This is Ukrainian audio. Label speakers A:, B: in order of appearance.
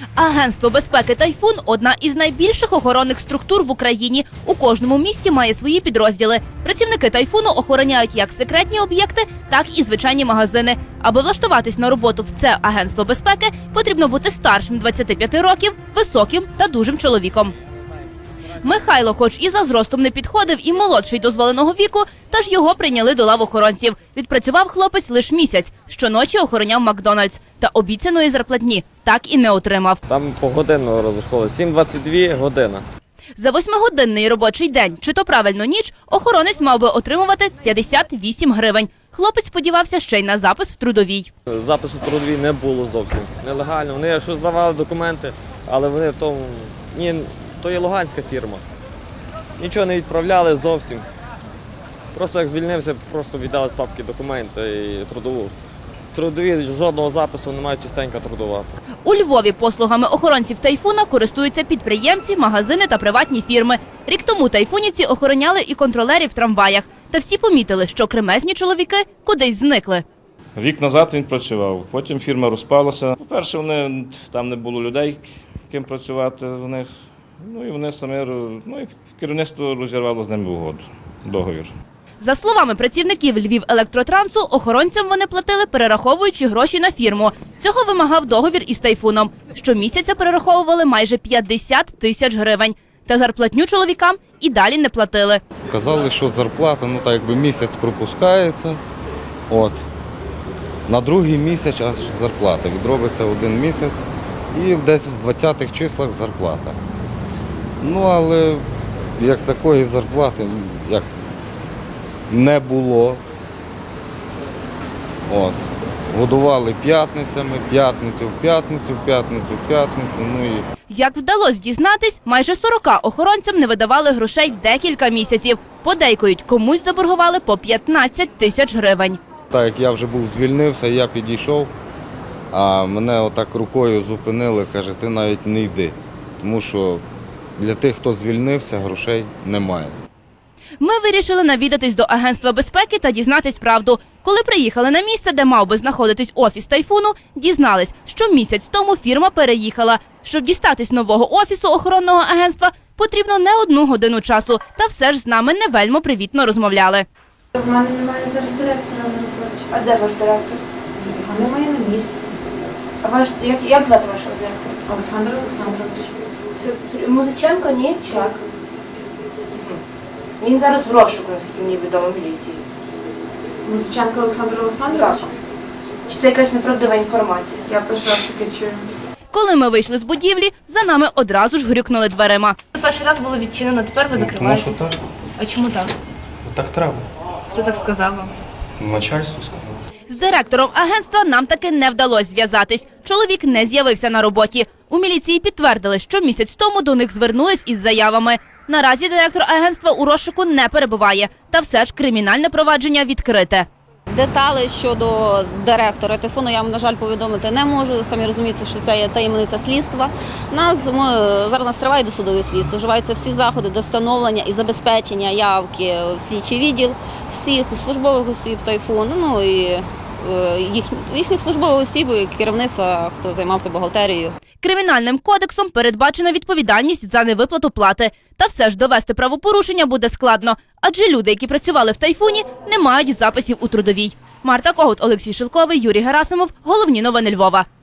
A: Агентство безпеки «Тайфун» – одна із найбільших охоронних структур в Україні. У кожному місті має свої підрозділи. Працівники «Тайфуну» охороняють як секретні об'єкти, так і звичайні магазини. Аби влаштуватись на роботу в це агентство безпеки, потрібно бути старшим 25 років, високим та дужим чоловіком. Михайло, хоч і за зростом не підходив, і молодший дозволеного віку, тож його прийняли до лав охоронців. Відпрацював хлопець лише місяць. Щоночі охороняв Макдональдс. Та обіцяної зарплатні так і не отримав.
B: Там погодинно розраховували, 7-22 година.
A: За 8-годинний робочий день, чи то правильно ніч, охоронець мав би отримувати 58 гривень. Хлопець сподівався ще й на запис в трудовій.
B: Запису в трудовій не було зовсім. Нелегально. Вони щось здавали документи, але вони в тому... Ні, то є луганська фірма. Нічого не відправляли зовсім. Просто як звільнився, просто віддали з папки документи і трудову. В трудовій жодного запису немає, чистенька трудова.
A: У Львові послугами охоронців «Тайфуна» користуються підприємці, магазини та приватні фірми. Рік тому тайфунівці охороняли і контролерів в трамваях. Та всі помітили, що кремезні чоловіки кудись зникли.
C: Рік назад він працював, потім фірма розпалася. По-перше, там не було людей, ким працювати в них. Ну і вони самі, і керівництво розірвало з ними угоду, договір.
A: За словами працівників Львівелектротрансу, охоронцям вони платили, перераховуючи гроші на фірму. Цього вимагав договір із «Тайфуном». Щомісяця перераховували майже 50 тисяч гривень. Та зарплатню чоловікам і далі не платили.
D: Казали, що зарплата, так якби місяць пропускається. На другий місяць аж зарплата. Відробиться один місяць і десь в 20-х числах зарплата. Але як такої зарплати не було. Годували п'ятницями, п'ятницю в п'ятницю, п'ятницю в п'ятницю.
A: Як вдалося дізнатись, майже 40 охоронцям не видавали грошей декілька місяців. Подейкують, комусь заборгували по 15 тисяч гривень.
D: Так як я вже звільнився, я підійшов, а мене отак рукою зупинили, каже, ти навіть не йди. Тому що для тих, хто звільнився, грошей немає.
A: Ми вирішили навідатись до агентства безпеки та дізнатись правду. Коли приїхали на місце, де мав би знаходитись офіс «Тайфуну», дізнались, що місяць тому фірма переїхала. Щоб дістатись нового офісу охоронного агентства, потрібно не 1 годину часу. Та все ж з нами не вельми привітно розмовляли.
E: В мене немає зараз директора на роботі. А де ваш директор? Його немає на місці. А як звати вашого директора? Олександр Олександрович. Це Музиченко, ні? Чак. Він зараз в розшуку, наскільки мені відомо, міліції. Музиченко Олександр Олександрович? Так. Чи це якась неправдива інформація? Я перший раз таке чую.
A: Коли ми вийшли з будівлі, за нами одразу ж грюкнули дверима.
E: Перший раз було відчинено, тепер ви закриваєте.
F: Тому що так.
E: А чому так?
F: Так треба.
E: Хто так сказав вам?
F: Начальство сказало.
A: З директором агентства нам таки не вдалося зв'язатись. Чоловік не з'явився на роботі. У міліції підтвердили, що місяць тому до них звернулись із заявами. Наразі директор агентства у розшуку не перебуває. Та все ж кримінальне провадження відкрите.
G: Деталі щодо директора «Тайфуну» я вам, на жаль, повідомити не можу. Самі розумієте, що це є таємниця слідства. Зараз триває досудове слідство. Вживаються всі заходи до встановлення і забезпечення явки в слідчий відділ всіх службових осіб «Тайфуну», і їхніх службових осіб, і керівництва, хто займався бухгалтерією.
A: Кримінальним кодексом передбачена відповідальність за невиплату плати. Та все ж довести правопорушення буде складно, адже люди, які працювали в «Тайфуні», не мають записів у трудовій. Марта Когут, Олексій Шилковий, Юрій Герасимов. Головні новини Львова.